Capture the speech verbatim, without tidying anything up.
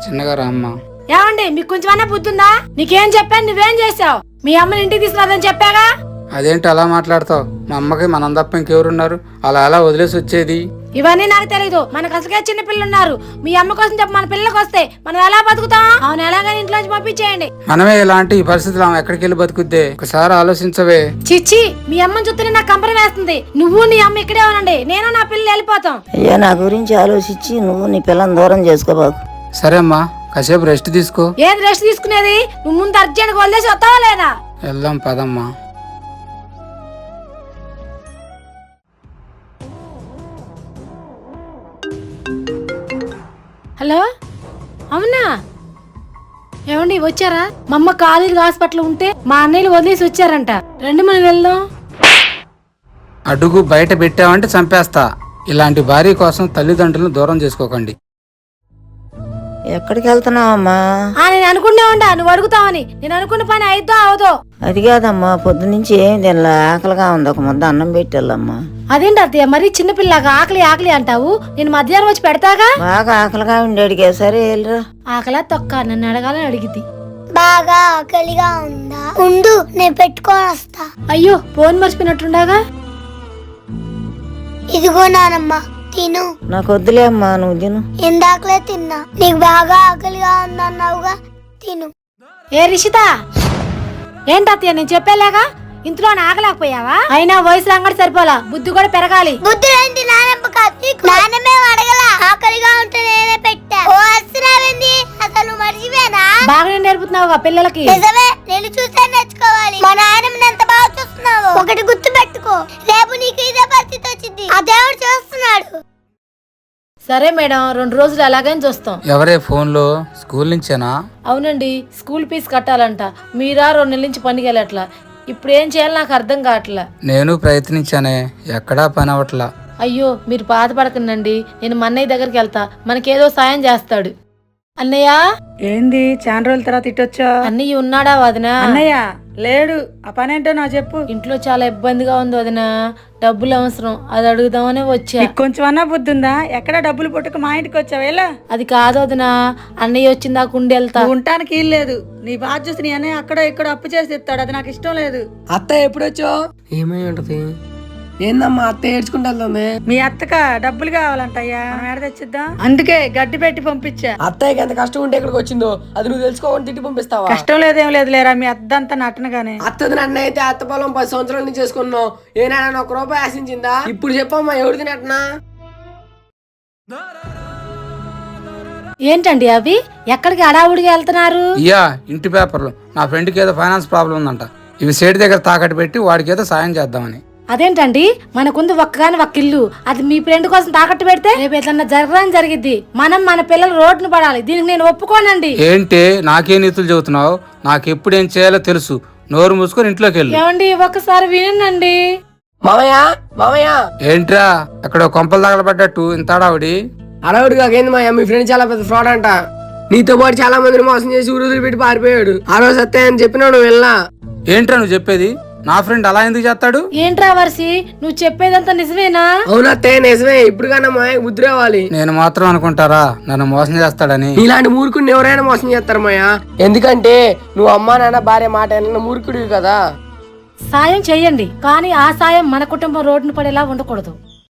చిన్నగా రామ్మా. ఏమండి మీకు కొంచెమన్నా బుద్ధుందా? నీకేం చెప్పాను, నువ్వేం చేసావు? మీ అమ్మని ఇంటికి తీసుకురాదని చెప్పాగా. అదేంటి అలా మాట్లాడతావు? మా అమ్మకి మనం తప్ప ఇంకెవరున్నారు? అలా అలా వదిలేసి వచ్చేది. ఇవన్నీ నాకు తెలీదు. మనకు అసలుకే చిన్న పిల్లలు ఉన్నారు. మీ అమ్మ కోసం చెప్పి మన పిల్లలకు వస్తే మనం ఎలా బతుకుతాం? అవును, ఎలాగైనా ఇంట్లోంచి పంపించేయండి. మనమే ఇలాంటి ఈ పరిస్థితులు ఆమె ఎక్కడికి వెళ్ళి బతుకుద్దే? ఒకసారి ఆలోచించవే. చిచ్చి, మీ అమ్మని చూస్తేనే నాకు కంపరం వేస్తుంది. నువ్వు నీ అమ్మ ఇక్కడే ఉనండి, నేను నా పిల్లలు వెళ్ళిపోతాం. అయ్యా, నా గురించి ఆలోచించి నువ్వు నీ పిల్లని దూరం చేసుకోబాకు. సరే అమ్మా, కాసేపు రెస్ట్ తీసుకో. ఏది రెస్ట్ తీసుకునేది? నువ్వు ముందు అర్జెంట్ వదిలేసి వస్తావా లేదా? వెళ్దాం పదమ్మా. హలో, అవునా? ఏమండి వచ్చారా? మా అమ్మ కాలేజీ హాస్పిటల్ ఉంటే మా అన్నయ్యలు వదిలేసి వచ్చారంట. రండి మనం వెళ్దాం. అడుగు బయట పెట్టావంటే చంపేస్తా. ఇలాంటి భార్య కోసం తల్లిదండ్రులను దూరం చేసుకోకండి. ఎక్కడికి వెళ్తున్నావమ్మా? నేను అనుకునే ఉండా నువ్వు అడుగుతావని. నేను అనుకున్న పని అయిద్దో అవదో. అది కాదమ్మా, పొద్దు నుంచి ఏం తినలా, ఆకలిగా ఉంది. ఒక ముద్ద అన్నం పెట్టాలమ్మా. అదేంటి అత్తయ్య, మరి చిన్నపిల్లగా ఆకలి ఆకలి అంటావు? నేను మధ్యాహ్నం వచ్చి పెడతాగా. బాగా ఆకలిగా ఉండి అడిగా. సరే వెళ్ళరా. ఆకలా తొక్క నన్ను అడగాలని అడిగింది. బాగా ఆకలిగా ఉందా? ఉండు, నేను పెట్టుకొని వస్తా. అయ్యో, ఫోన్ మర్చిపోయినట్టుండగా. ఇదిగో నానమ్మ, తిను. నాకు వద్దులే అమ్మా, నువ్వు తిను. ఇందాకలే తిన్నా. నీకు బాగా ఆకలిగా ఉందన్నావుగా, తిను. ఏ రిషిత, ఏంటత్తయ్య నేను చెప్పేలాగా ఇంట్లో ఆగలేకపోయావా? అయినా వయసు రంగడి సరిపోలా, బుద్ధి కూడా పెరగాలి. బుద్ధి ఏంటి నానమ్మ కాదు, నానమ్మే అడగల. ఆకలిగా ఉంటే నేనే పెట్టా. ఓ అసలు అసలు మర్చిపోయానా? బాగానే నేర్పుతున్నావుగా పిల్లలకి. నిజమే, నేను చూసే నేర్చుకోవాలి. మా నాయనమ్మని ఎంత బాగా చూస్తున్నావు. ఒకటి గుర్తు పెట్టుకో, రేపు నీకు ఇదే పరిస్థితి వచ్చింది. ఆ దేవుడు చూస్తున్నాడు. సరే మేడం, రెండు రోజులు అలాగని చూస్తాం. ఎవరే ఫోన్ లో? స్కూల్ నుంచేనా? అవునండి, స్కూల్ ఫీజు కట్టాలంట. మీరా రెండు నెలల నుంచి పనికి వెళ్ళట్లా. ఇప్పుడు ఏం చేయాలి నాకు అర్థం కావట్లా. నేను ప్రయత్నించానే, ఎక్కడా పని అవట్లా. అయ్యో, మీరు బాధపడకండి. నేను మా అన్నయ్య దగ్గరికి వెళ్తా, మనకేదో సాయం చేస్తాడు. అన్నయ్య. ఏంది చాలా రోజుల తర్వాత ఇట్టొచ్చా? అన్నయ్య ఉన్నాడా వదినా? అన్నయ్య లేడు. ఆ పని ఏంటో నాకు చెప్పు. ఇంట్లో చాలా ఇబ్బందిగా ఉంది వదినా, డబ్బులు అవసరం, అది అడుగుదామనే వచ్చా. కొంచెం అన్నా బుద్ధి ఉందా? ఎక్కడ డబ్బులు పుట్టుకు మా ఇంటికి వచ్చావు? ఎలా? అది కాదు వదినా, అన్నయ్య వచ్చిందా కుండి వెళ్తా. ఉండటానికి ఇల్లు లేదు. నీ బాధ చూసి నీ అన్నయ్య అక్కడ ఇక్కడ అప్పు చేసి ఇస్తాడు. అది నాకు ఇష్టం లేదు. అత్త ఎప్పుడొచ్చో? ఏమై ఉంటది? ఏందమ్మా అత్త ఏడ్చుకుంటా వెళ్తుంది? మీ అత్తక డబ్బులు కావాలంటయ్యా, ఎడ తెచ్చిద్దాం. అందుకే గడ్డి పెట్టి పంపించా. అత్తయ్యకి ఎంత కష్టం ఉంటే ఇక్కడికి వచ్చిందో అది నువ్వు తెలుసుకోవని తిట్టి పంపిస్తావా? కష్టం లేదేం లేదు లేరా, మీ అద్దంతా నటనగానే. అత్తది నన్ను అయితే అత్త పొలం పది సంవత్సరాల నుంచి చేసుకున్నావు. ఏనాడని ఒక రూపాయి ఆశించిందా? ఇప్పుడు చెప్పమ్మా, ఎవరిది నటనా? ఏంటండి అవి? ఎక్కడికి అడావుడిగా వెళ్తున్నారు? ఇయ్యా ఇంటి పేపర్లు. నా ఫ్రెండ్కి ఏదో ఫైనాన్స్ ప్రాబ్లం ఉందంట. ఇవి సేటు దగ్గర తాకట్టు పెట్టి వాడికి ఏదో సాయం చేద్దామని. అదేంటండి, మనకుంది ఒక్కగాని ఒక్క ఇల్లు, అది మీ ఫ్రెండ్ కోసం తాకట్టు పెడితే రేపు ఏదన్నా జరగని జరిగిద్ది. మనం మన పిల్లలు రోడ్డును పడాలి. దీనికి నేను ఒప్పుకోనండి. ఏంటి నాకే నీతులు చెబుతున్నావు? నాకు ఎప్పుడు ఏం చేయాలో తెలుసు. నోరు మూసుకొని ఇంట్లోకి వెళ్ళు. ఏమండి, ఒక్కసారి వినండి. మామయ్య మామయ్య. ఏంట్రా అక్కడ కొంపలు తగలబడ్డట్టు ఇంత అడావుడి? అడవుడు కాకేంది మాయ, మీ ఫ్రెండ్ చాలా పెద్ద ఫ్రాడ్ అంట. నీతో పాటు చాలా మందిని మోసం చేసి ఊరు పెట్టి పారిపోయాడు. ఆ రోజు అత్తయ్య అని చెప్పినాడు, వెళ్ళా. ఏంట్రా నువ్వు చెప్పేది? నా ఫ్రెండ్ అలా ఎందుకు చేస్తాడు? ఏంట్రా వర్షి, నువ్వు చెప్పేదంతా నిజమేనా? అవునత్తయ్య నిజమే. ఇప్పుడు కన్నా మాయకు బుద్ధి రావాలి. నేను మాత్రం అనుకుంటారా నన్ను మోసం చేస్తాడని? ఇలాంటి మూర్ఖుడిని ఎవరైనా మోసం చేస్తారు మాయా. ఎందుకంటే నువ్వు అమ్మా నాన్న భార్య మాట విన్న మూర్ఖుడివి కదా. సాయం చెయ్యండి, కానీ ఆ సాయం మన కుటుంబం రోడ్డును పడేలా ఉండకూడదు.